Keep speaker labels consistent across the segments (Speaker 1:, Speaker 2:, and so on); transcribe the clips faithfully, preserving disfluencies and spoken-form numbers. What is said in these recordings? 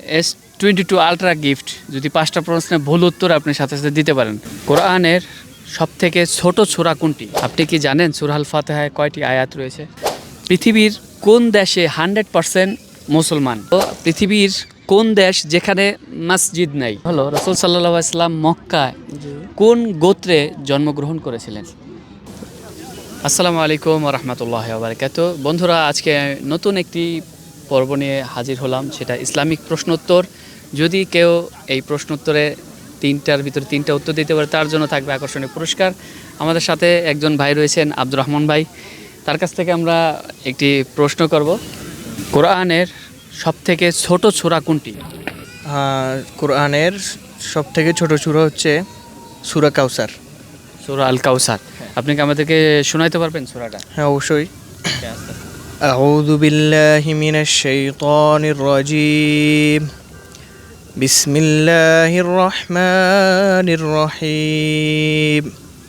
Speaker 1: S twenty two ultra gift যদি পাঁচটা প্রশ্নের ভুল উত্তর আপনি সাথে সাথে দিতে পারেন। কোরআনের সব থেকে ছোট সূরা কোনটি? আপনি কি জানেন সূরা আল ফাতিহায় কয়টি আয়াত রয়েছে? পৃথিবীর কোন দেশে হান্ড্রেড পার্সেন্ট মুসলমান? তো পৃথিবীর কোন দেশ যেখানে মসজিদ নাই? হলো রাসূল সাল্লাল্লাহু আলাইহি ওয়াসাল্লাম মক্কায় কোন গোত্রে জন্মগ্রহণ করেছিলেন? আসসালামু আলাইকুম ওয়া রাহমাতুল্লাহি ওয়া বারাকাতুহু। বন্ধুরা, আজকে নতুন একটি পর্ব নিয়ে হাজির হলাম, সেটা ইসলামিক প্রশ্নোত্তর। যদি কেউ এই প্রশ্নোত্তরে তিনটার ভিতরে তিনটা উত্তর দিতে পারে তার জন্য থাকবে আকর্ষণীয় পুরস্কার। আমাদের সাথে একজন ভাই রয়েছেন, আব্দুর রহমান ভাই। তার কাছ থেকে আমরা একটি প্রশ্ন করব। কোরআনের সবথেকে ছোট সূরা কোনটি?
Speaker 2: কোরআনের সব থেকে ছোট সূরা হচ্ছে সূরা কাউসার।
Speaker 1: সূরা আল কাউসার। আপনি কি আমাদেরকে শোনাইতে পারবেন সূরাটা?
Speaker 2: হ্যাঁ, অবশ্যই। আউযু বিল্লাহি মিনাশ শাইতানির রাজীম। বিসমিল্লাহির রহমানির রহিম।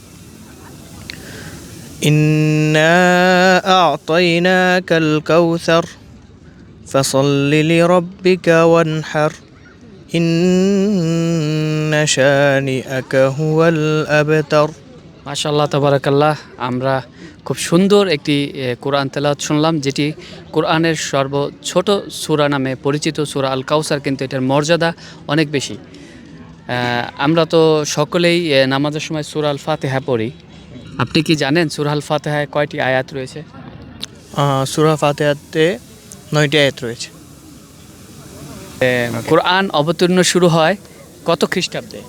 Speaker 2: ইন্না আ'তাইনাকাল কাউসার ফাসাল্লি লিরাব্বিকা ওয়ানহার ইন্না শানিআকা হুয়াল আবতার।
Speaker 1: মাশাআল্লাহ, তাবারাকাল্লাহ। আমরা খুব সুন্দর একটি কোরআন তেলাওয়াত শুনলাম, যেটি কোরআনের সর্ব ছোট সূরা নামে পরিচিত সূরা আল কাউসার, কিন্তু এটার মর্যাদা অনেক বেশি। আমরা তো সকলেই নামাজের সময় সূরা আল ফাতিহা পড়ি। আপনি কি জানেন সূরা আল ফাতিহায় কয়টি আয়াত রয়েছে?
Speaker 2: সূরা ফাতিহাতে নয়টি আয়াত রয়েছে।
Speaker 1: কোরআন অবতীর্ণ শুরু হয় কত খ্রিস্টাব্দে?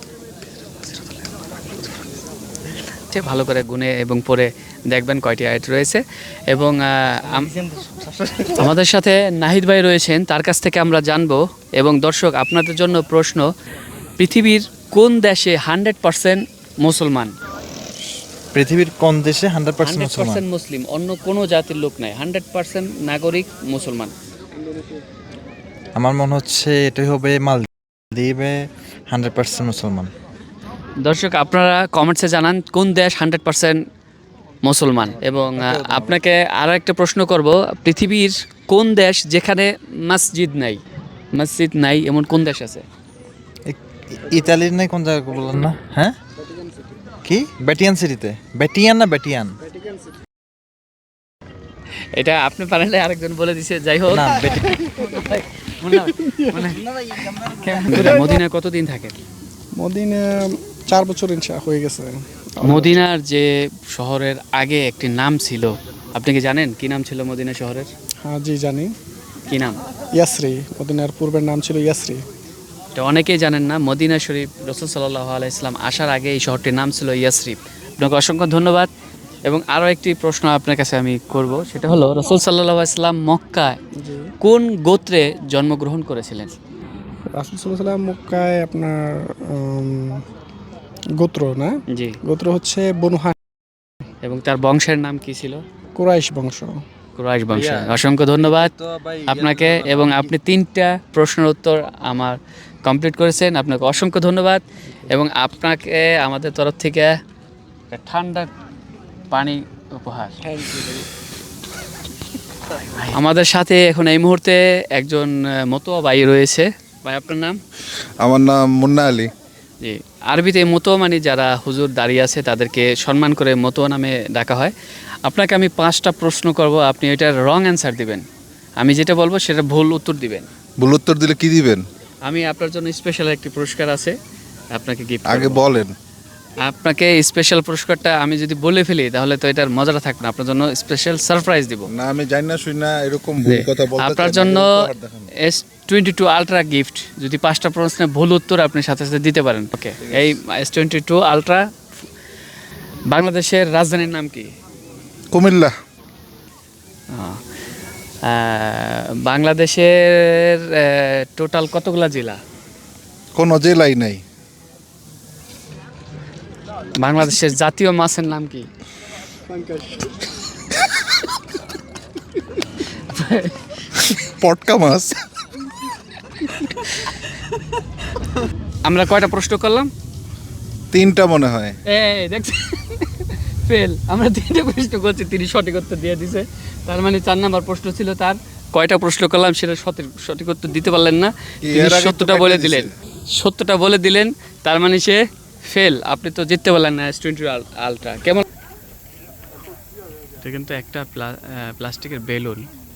Speaker 1: ভালো করে গুনে এবং পড়ে দেখবেন কয়টি আয়াত রয়েছে। এবং আমাদের সাথে নাহিদ ভাই রয়েছেন, তার কাছ থেকে আমরা জানবো। এবং দর্শক, আপনাদের জন্য প্রশ্ন, পৃথিবীর কোন দেশে হান্ড্রেড পার্সেন্ট মুসলমান?
Speaker 3: পৃথিবীর কোন দেশে হান্ড্রেড পার্সেন্ট
Speaker 1: পার্সেন্ট মুসলিম, অন্য কোনো জাতির লোক নাই, হান্ড্রেড পার্সেন্ট নাগরিক মুসলমান?
Speaker 3: আমার মনে হচ্ছে এটাই হবে মালদ্বীপে হান্ড্রেড পার্সেন্ট মুসলমান।
Speaker 1: দর্শক, আপনারা কমেন্টসে জানান কোন দেশ হান্ড্রেড পার্সেন্ট মুসলমান। এবং আপনাকে আরও একটা প্রশ্ন করব, পৃথিবীর কোন দেশ যেখানে মসজিদ নাই? মসজিদ নাই এমন কোন দেশ আছে?
Speaker 3: ইতালির নাই কোন জায়গা বললেন না? হ্যাঁ, কি ব্যাটিয়ান সিটিতে? ব্যাটিয়ান না ব্যাটিয়ান?
Speaker 1: এটা আপনি পারেন, আরেকজন বলে দিছে। যাই হোক,
Speaker 3: না,
Speaker 1: মদিনা কতদিন থাকে?
Speaker 4: মদিনা চার বছর ইনশা হয়ে গেছে।
Speaker 1: মদিনার যে শহরের আগে একটি নাম ছিল, আপনি কি জানেন কি নাম ছিল মদিনা শহরের?
Speaker 4: হ্যাঁ, জি জানি।
Speaker 1: কি নাম?
Speaker 4: ইয়াসরি। মদিনার পূর্বের নাম ছিল ইয়াসরি।
Speaker 1: এটা অনেকেই জানেন না। মদিনা শরীফ, রাসূল সাল্লাল্লাহু আলাইহি ওয়াসাল্লাম আসার আগে এই শহরটির নাম ছিল ইয়াসরিব। আপনাকে অসংখ্য ধন্যবাদ। এবং আরও একটি প্রশ্ন আপনার কাছে আমি করব, সেটা হলো রাসূল সাল্লাল্লাহু আলাইহি ওয়াসাল্লাম মক্কায় কোন গোত্রে জন্মগ্রহণ করেছিলেন?
Speaker 4: রাসূল সাল্লাল্লাহু আলাইহি ওয়াসাল্লাম মক্কায় আপনার গোত্র না
Speaker 1: জি
Speaker 4: গোত্র হচ্ছে বনু হাশিম।
Speaker 1: এবং তার বংশের নাম কি ছিল?
Speaker 4: কুরাইশ বংশ।
Speaker 1: কুরাইশ বংশ। অসংখ্য ধন্যবাদ আপনাকে। এবং আপনি তিনটা প্রশ্নের উত্তর আমার কমপ্লিট করেছেন, আপনাকে অসংখ্য ধন্যবাদ। এবং আপনাকে আমাদের তরফ থেকে ঠান্ডা পানি উপহার। আমাদের সাথে এখন এই মুহূর্তে একজন মতোয়া ভাই রয়েছে। ভাই, আপনার নাম?
Speaker 5: আমার নাম মুন্না আলী।
Speaker 1: জি, আরবিতে মতোয়া মানে যারা হুজুর দাঁড়িয়ে আছে তাদেরকে সম্মান করে মতোয়া নামে ডাকা হয়। আপনাকে আমি পাঁচটা প্রশ্ন করব, আপনি এটার রং অ্যান্সার দিবেন। আমি যেটা বলবো সেটা ভুল উত্তর দিবেন।
Speaker 5: ভুল উত্তর দিলে কি দিবেন?
Speaker 1: আমি আপনার জন্য স্পেশাল একটি পুরস্কার আছে, আপনাকে গিফট
Speaker 5: আগে বলেন।
Speaker 1: আপনাকে স্পেশাল পুরস্কারটা আমি যদি বলে ফেলি তাহলে তো এটার মজাটা থাকবে না। আপনার জন্য স্পেশাল সারপ্রাইজ দিব।
Speaker 5: না, আমি জানি না, শুনি না, এরকম ভুল কথা বলতে চাই না।
Speaker 1: আপনার জন্য S twenty two ultra gift যদি পাঁচটা প্রশ্নের ভুল উত্তর আপনি সাথে সাথে দিতে পারেন। ওকে, এই এস টোয়েন্টি টু আলট্রা। বাংলাদেশের রাজধানীর নাম কি?
Speaker 5: কুমিল্লা।
Speaker 1: বাংলাদেশের টোটাল কতগুলা জেলা?
Speaker 5: কোনো জেলাই নাই।
Speaker 1: বাংলাদেশের জাতীয় মাছের নাম কি?
Speaker 5: পটকা মাছ।
Speaker 1: আমরা কয়টা প্রশ্ন করলাম?
Speaker 5: তিনটা মনে হয়।
Speaker 1: এই দেখছেন, ফেল। আমরা তিনটা প্রশ্ন করছি, তিনি সঠিক উত্তর দিয়ে দিছে। তার মানে চার নাম্বার প্রশ্ন ছিল তার কয়টা প্রশ্ন করলাম সেটা সঠিক সঠিক উত্তর দিতে পারলেন না,
Speaker 5: কি
Speaker 1: তিনি
Speaker 5: এর আগে তো
Speaker 1: সত্যটা
Speaker 5: কাইটা
Speaker 1: বলে
Speaker 5: দিছে?
Speaker 1: দিলেন, সত্যটা বলে দিলেন, তার মানে সে ফেল। আপনি তো জিততে পারলেন না এস টোয়েন্টি আলট্রা। কেমন? এটা কিন্তু একটা প্লাস্টিকের বেলুন,